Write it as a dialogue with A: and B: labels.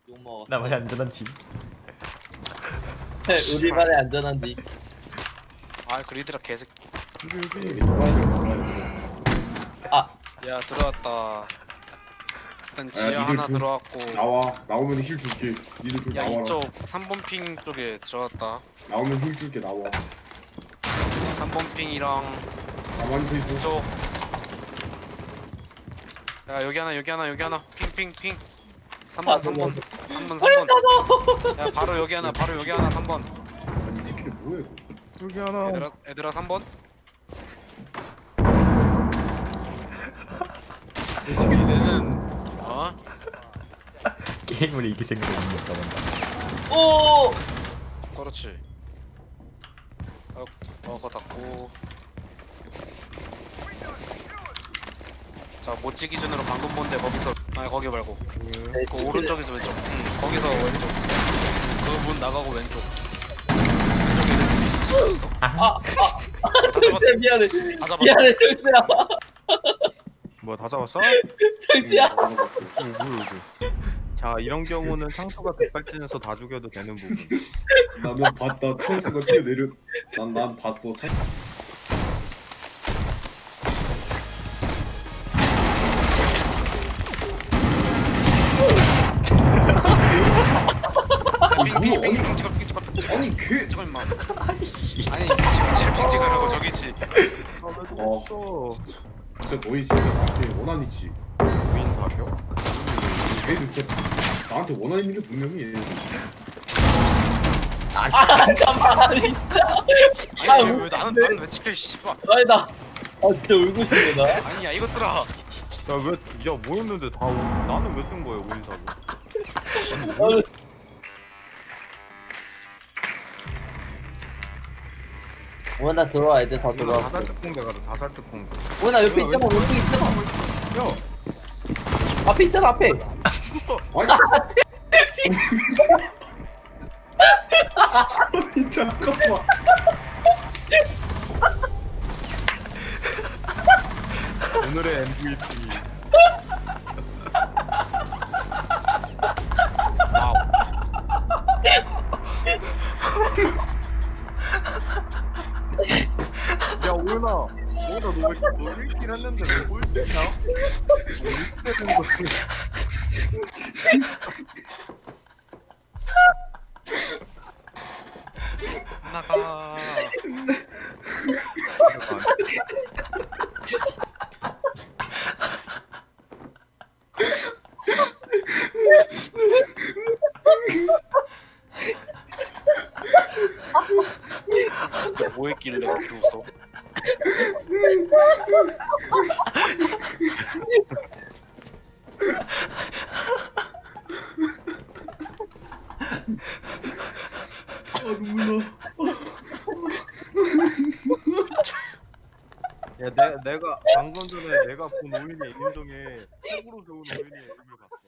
A: 욕먹어.
B: 나만의 안전한 집.
A: 우리만의 안전한 니.
C: 아 그리드라 개새끼.
A: 아,
C: 야 들어왔다. 일단 지하
D: 니들
C: 하나
D: 좀
C: 들어왔고.
D: 나오면 힐 줄게. 니들 좀
C: 야
D: 나와라.
C: 이쪽 3번 핑 쪽에 들어왔다.
D: 나오면 힐 줄게. 나와.
C: 3번 핑이랑
D: 가만히 서 있어.
C: 이쪽. 야 여기 하나 핑. 3번 3번. 야 바로 여기 하나 3번.
D: 아니 이 새끼들 뭐야 이거.
E: 여기 하나.
C: 얘들아 3번.
D: 이 새끼들
C: 얘는 어?
B: 게임을 이길 생각이 없는가 본다.
A: 오!
C: 그렇지. 그거 닫고. 자 모찌 기준으로 방금 본데 거기서 아니 거기 말고 그 오른쪽에서 왼쪽. 거기서 왼쪽. 그 문 나가고 왼쪽. 왼쪽에
A: 아,
C: 다 잡았.
A: 정수야 미안해.
C: 다 잡았.
A: 미안해 정수야.
E: 뭐야 다 잡았어?
A: 정수야.
E: 뭐야 이거. 자 이런 경우는 상수가 백발진에서 다 죽여도 되는 부분.
D: 나는 봤다. 턴스가 뛰어내려. 난 봤어.
C: 핑 찍어.
D: 아니 걔.
C: 찍어 임마. 아니 핑 찍으라고 저기지.
D: 진짜 너희 진짜 나한테 원한 있지.
E: 무인 사격?
D: 걔들 진짜 나한테 원한 있는 게 분명히.
A: 잠깐만 진짜.
C: 아니 왜 나는 왜 찍혀 씨발.
A: 아니 나. 진짜 울고 싶네 나.
C: 아니야 이것들아.
E: 야왜 뭐였는데 다 나는 왜 뜬 거야 무인 사격?
A: 오나 들어와 애들 다 들어와.
E: 다살특공대 가자 다살특공대.
A: 오나 옆에 있잖아 오른쪽 있잖아.
E: 야
A: 앞에 있잖아 앞에.
D: 아니 잠깐만.
E: 오늘의 MVP.
C: 와우.
E: 야 오연아 너왜 1킬 했는데 왜 꼴찌냐? 뭐 이렇게 되는 거지?
C: 나가. 뭐 했길래 그렇게 웃어?
D: 눈물 나.
E: 야 내가 방금 전에 내가 본 오인의 임종에 속으로 좋은 오인의 임을 봤다.